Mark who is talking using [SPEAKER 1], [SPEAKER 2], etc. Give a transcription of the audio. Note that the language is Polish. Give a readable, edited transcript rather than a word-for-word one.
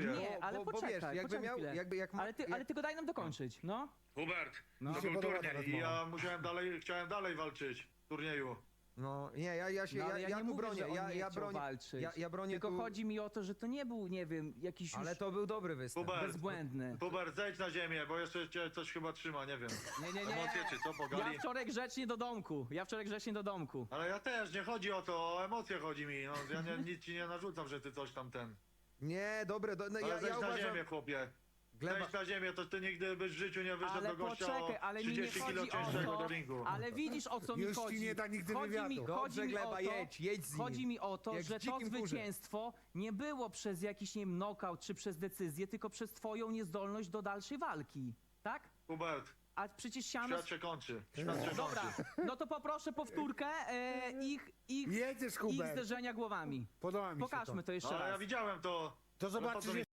[SPEAKER 1] dziękuję.
[SPEAKER 2] Nie, ale
[SPEAKER 3] bo
[SPEAKER 2] poczekaj,
[SPEAKER 3] wiesz, jakby
[SPEAKER 2] poczekaj
[SPEAKER 3] miał,
[SPEAKER 2] chwilę.
[SPEAKER 3] jak ma,
[SPEAKER 2] Ale ty go daj nam dokończyć, no.
[SPEAKER 4] Hubert,
[SPEAKER 1] No.
[SPEAKER 4] to
[SPEAKER 1] Mi się
[SPEAKER 4] był
[SPEAKER 1] podoba ta
[SPEAKER 4] turniej.
[SPEAKER 1] rozmowa.
[SPEAKER 4] I ja musiałem dalej, chciałem dalej walczyć w turnieju.
[SPEAKER 3] No nie, ja się,
[SPEAKER 2] No, ale
[SPEAKER 3] ja
[SPEAKER 2] nie
[SPEAKER 3] tu
[SPEAKER 2] mówię,
[SPEAKER 3] bronię,
[SPEAKER 2] że on nie
[SPEAKER 3] ja
[SPEAKER 2] chciał
[SPEAKER 3] bronię,
[SPEAKER 2] walczyć.
[SPEAKER 3] ja bronię
[SPEAKER 2] Tylko
[SPEAKER 3] tu,
[SPEAKER 2] chodzi mi o to, że to nie był, nie wiem, jakiś już
[SPEAKER 3] ale to był dobry występ.
[SPEAKER 4] Hubert,
[SPEAKER 2] bezbłędny.
[SPEAKER 4] Hubert, zejdź na ziemię, bo jeszcze cię coś chyba trzyma, nie wiem.
[SPEAKER 2] Nie.
[SPEAKER 4] Emocje czy co, pogali?
[SPEAKER 2] Ja wczoraj grzecznie do domku.
[SPEAKER 4] Ale ja też, nie chodzi o to, o emocje chodzi mi. No, ja nic ci nie narzucam, że ty coś tam ten.
[SPEAKER 3] Nie, dobre, no,
[SPEAKER 4] Ale
[SPEAKER 3] ja
[SPEAKER 4] zejdź na
[SPEAKER 3] uważam,
[SPEAKER 4] ziemię, chłopie.
[SPEAKER 3] gleba,
[SPEAKER 4] Zejdź na ziemię, to ty nigdy byś w życiu nie wyszedł
[SPEAKER 2] Ale
[SPEAKER 4] do gościa
[SPEAKER 2] poczekaj,
[SPEAKER 4] o
[SPEAKER 2] ale mi nie
[SPEAKER 4] 30 kilo
[SPEAKER 2] chodzi o
[SPEAKER 4] cięższego
[SPEAKER 2] to,
[SPEAKER 4] do ringu.
[SPEAKER 2] ale widzisz o co mi
[SPEAKER 1] Już ci
[SPEAKER 2] chodzi.
[SPEAKER 1] nie da nigdy
[SPEAKER 2] Chodzi
[SPEAKER 1] wywiadu.
[SPEAKER 2] mi,
[SPEAKER 3] Dobrze,
[SPEAKER 2] chodzi mi
[SPEAKER 3] Gleba,
[SPEAKER 2] o to,
[SPEAKER 3] jedź z nim.
[SPEAKER 2] chodzi mi o to,
[SPEAKER 3] Jak w
[SPEAKER 2] że to
[SPEAKER 3] dzikim kurze.
[SPEAKER 2] zwycięstwo nie było przez jakiś, nie wiem, knockout czy przez decyzję, tylko przez twoją niezdolność do dalszej walki. Tak?
[SPEAKER 4] Hubert,
[SPEAKER 2] A przecież siano...
[SPEAKER 4] świat się kończy. Świat się
[SPEAKER 2] Dobra,
[SPEAKER 4] kończy.
[SPEAKER 2] no to poproszę powtórkę ich
[SPEAKER 1] Jedziesz, Hubert.
[SPEAKER 2] zderzenia głowami.
[SPEAKER 1] Podoba mi się
[SPEAKER 2] Pokażmy to jeszcze
[SPEAKER 4] No, ale ja
[SPEAKER 2] raz.
[SPEAKER 4] widziałem to.
[SPEAKER 1] To
[SPEAKER 4] Ale po co
[SPEAKER 1] zobaczysz
[SPEAKER 4] mi